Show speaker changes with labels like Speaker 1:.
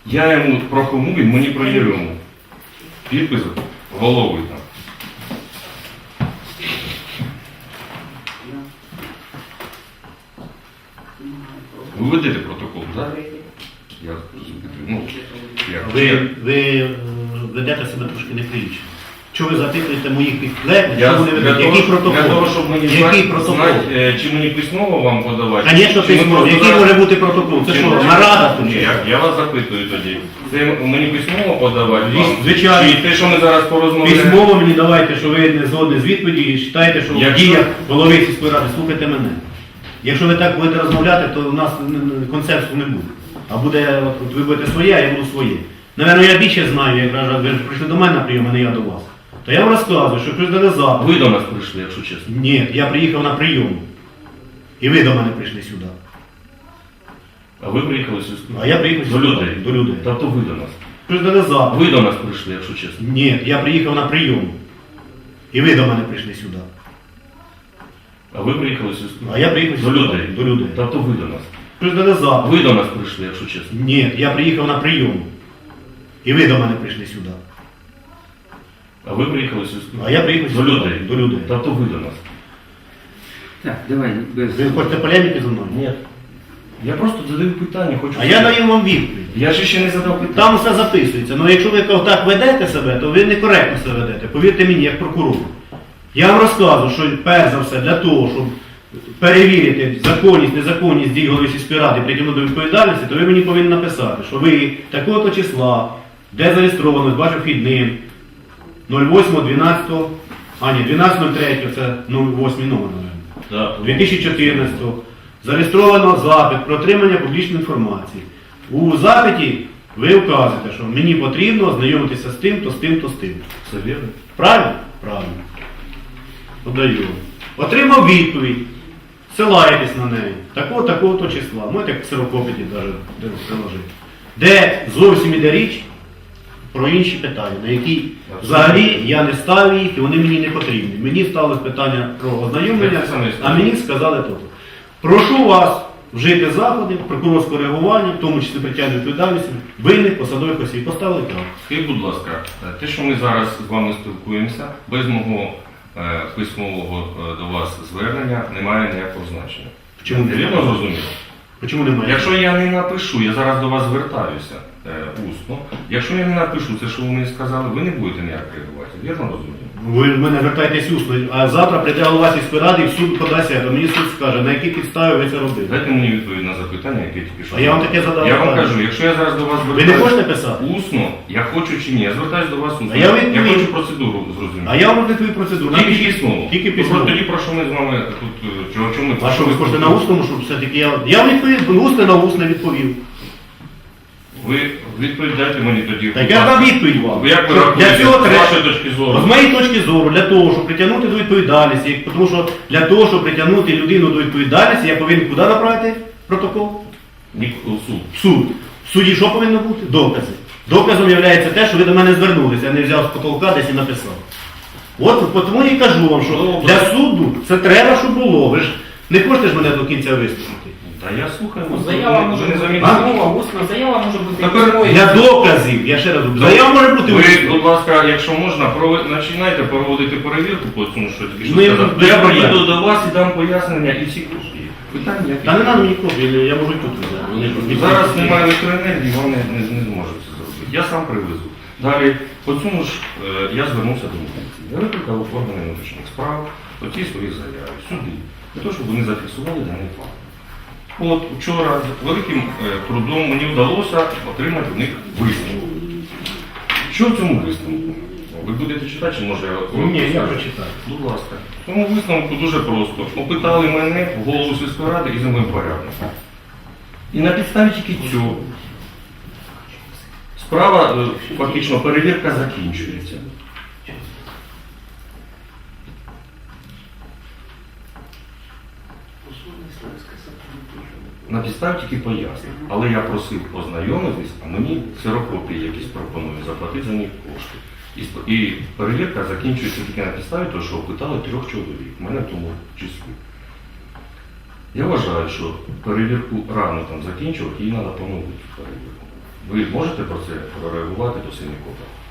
Speaker 1: Я йому про кому, він мені про Єрему. Підпис голови там. Ви ведете протокол, так? Я, ну,
Speaker 2: Ви ведете себе трошки неприлічно. Чого ви запитуєте моїх підлеглих,
Speaker 1: Я,
Speaker 2: що вони ведуть? Який протокол?
Speaker 1: Для того, щоб мені
Speaker 2: Який протокол?
Speaker 1: знати, чи мені письмово вам подавати?
Speaker 2: Звісно,
Speaker 1: чи ми
Speaker 2: письмово.
Speaker 1: просто
Speaker 2: Який
Speaker 1: зараз-
Speaker 2: може бути протокол? Це
Speaker 1: чи
Speaker 2: що,
Speaker 1: ми-
Speaker 2: нарада тут?
Speaker 1: Ні, я вас запитую тоді. Це мені письмово подавати? вам?
Speaker 2: Звичайно.
Speaker 1: Чи те, що ми зараз порозмовляємо?
Speaker 2: Письмово мені давайте, що ви не згодні з відповіді і вважаєте, що в
Speaker 1: Якщо-
Speaker 2: діях голови сільської ради, слухайте мене. Якщо ви так будете розмовляти, то у нас консенсусу не буде. А буде, от ви будете своє, а я буду своє. Наверно, я більше знаю, як кажуть, ви ж прийшли до мене на прийом, а не я до вас. То я вам розказую, що ви дали запит.
Speaker 1: Ви до нас прийшли, якщо чесно.
Speaker 2: Ні, я приїхав на прийом. І ви до мене прийшли сюди.
Speaker 1: А ви приїхали сюди?
Speaker 2: А я приїхав
Speaker 1: До
Speaker 2: сюди.
Speaker 1: людей?
Speaker 2: До людей.
Speaker 1: Тобто ви до нас?
Speaker 2: Ви ж дали запит.
Speaker 1: Ви до нас прийшли, якщо чесно?
Speaker 2: Ні, я приїхав на прийом. І ви до мене прийшли сюди.
Speaker 1: А ви приїхали сюди?
Speaker 2: А я приїхав
Speaker 1: До
Speaker 2: сюди.
Speaker 1: людей?
Speaker 2: До людей.
Speaker 1: Тобто ви до нас?
Speaker 2: Ви ж дали запит.
Speaker 1: Ви до нас прийшли, якщо чесно?
Speaker 2: Ні, я приїхав на прийом. І ви до мене прийшли сюди.
Speaker 1: А ви приїхали сюди?
Speaker 2: А я приїхав
Speaker 1: До
Speaker 2: сюди.
Speaker 1: людей?
Speaker 2: До людей.
Speaker 1: Тобто ви до нас?
Speaker 3: Так, давай, без...
Speaker 2: Ви хочете полеміки зі мною?
Speaker 1: Ні. Я просто задаю питання, хочу...
Speaker 2: А я даю вам відповідь.
Speaker 1: Я ж ще не задав питання.
Speaker 2: Там все записується. Ну якщо ви так ведете себе, то ви некоректно себе ведете. Повірте мені, як прокурор. Я вам розказую, що перш за все для того, щоб перевірити законність, незаконність дій голови сільської ради і притягнути до відповідальності, то ви мені повинні написати, що ви такого-то числа, де зареєстровано, з вашим вхідним, 08.12, а ні, 12.03, це 08 номер,
Speaker 1: Так.
Speaker 2: 2014 зареєстровано запит про отримання публічної інформації. У запиті ви вказуєте, що мені потрібно ознайомитися з тим, то з тим, то з тим.
Speaker 1: Все вірно?
Speaker 2: Правильно? Правильно. Подаю. Отримав відповідь. Ссилаєтесь на неї. Такого-то числа. Можете як ксерокопіті навіть приложити. Де зовсім іде річ про інші питання, на які взагалі я не ставив їх і вони мені не потрібні. Мені ставилось питання про ознайомлення,
Speaker 1: Це саме
Speaker 2: а мені сказали то. Прошу вас вжити заходи прокурорського реагування, в тому числі притягнення відповідальності, винних посадових осіб. Поставили так.
Speaker 1: Скажіть, будь ласка, те, що ми зараз з вами спілкуємося, без мого письмового до вас звернення немає ніякого значення.
Speaker 2: Чому?
Speaker 1: Вірно зрозуміло?
Speaker 2: Чому немає?
Speaker 1: Якщо я не напишу, я зараз до вас звертаюся усно. Якщо я не напишу це, що ви мені сказали, ви не будете ніяк реагувати. Вірно розумію?
Speaker 2: Ви в мене звертаєтесь усно, а завтра прийде голова сільської ради і в суд подасть, то мені суд скаже, на якій підставі ви це робили.
Speaker 1: Дайте мені відповідь на запитання, яке тільки що.
Speaker 2: А я вам таке задав
Speaker 1: Я вам
Speaker 2: питання.
Speaker 1: кажу, якщо я зараз до вас
Speaker 2: Ви не
Speaker 1: звертаюся
Speaker 2: хочете писати?
Speaker 1: усно, я хочу чи ні, я звертаюся до вас усно.
Speaker 2: А я відповім.
Speaker 1: хочу процедуру зрозуміти.
Speaker 2: А я вам відповідь процедуру.
Speaker 1: Тільки
Speaker 2: Напишіть.
Speaker 1: письмово.
Speaker 2: Тільки
Speaker 1: Ну,
Speaker 2: письмово.
Speaker 1: Тоді про що ми з вами тут, чому ми...
Speaker 2: А що ви хочете на усному, щоб все-таки я вам відповів, усне на усне відповів.
Speaker 1: Ви відповідайте мені тоді.
Speaker 2: Так я дам відповідь вам.
Speaker 1: Як ви
Speaker 2: Що
Speaker 1: рахуєте,
Speaker 2: для цього
Speaker 1: з
Speaker 2: треба,
Speaker 1: вашої точки зору?
Speaker 2: з моєї точки зору, для того, щоб притягнути до відповідальності, тому що для того, щоб притягнути людину до відповідальності, я повинен куди направити протокол?
Speaker 1: Ні, у суд.
Speaker 2: В суд. В суді що повинно бути? Докази. Доказом є те, що ви до мене звернулися, я не взяв з потолка десь і написав. От тому і кажу вам, що
Speaker 1: Добре.
Speaker 2: для суду це треба, щоб було. Ви ж не хочете ж мене до кінця вислухати.
Speaker 1: Та я слухаю.
Speaker 3: Заява може
Speaker 1: ви не
Speaker 3: бути
Speaker 1: замітили?
Speaker 3: письмова, усна заява може бути
Speaker 1: Тепер
Speaker 3: письмовою.
Speaker 2: Для доказів, я ще раз говорю, заява може бути
Speaker 1: Ви,
Speaker 2: усно.
Speaker 1: будь ласка, якщо можна, починайте проводити перевірку по цьому, що тільки що
Speaker 2: Ми
Speaker 1: сказав.
Speaker 2: без
Speaker 1: Я
Speaker 2: проблем.
Speaker 1: приїду до вас і дам пояснення і всі кошти. Питання які?
Speaker 2: Та не треба мені копії, я можу і тут взяти.
Speaker 1: Зараз немає електроенергії, вони не зможуть це зробити. Я сам привезу. Далі, по цьому ж я звернувся до міліції. Я викликав органи внутрішніх справ, оці свої заяви, сюди, для того, щоб вони зафіксували даний факт. От вчора з великим трудом мені вдалося отримати в них висновок. Що в цьому висновку? Ви будете читати, чи може я коротко
Speaker 2: Ні, я
Speaker 1: скажу?
Speaker 2: прочитаю.
Speaker 1: Будь ласка. В цьому висновку дуже просто. Опитали мене, голову сільської ради і землепорядника. І на підставі тільки цього справа, фактично, перевірка закінчується. На підставі тільки пояснень. Але я просив ознайомитись, а мені ксерокопії якісь пропонують заплатити за них кошти. І перевірка закінчується тільки на підставі того, що опитали 3 чоловік, мене в тому числі. Я вважаю, що перевірку рано там закінчувати, її треба поновити перевірку. Ви можете про це прореагувати до Синікопа?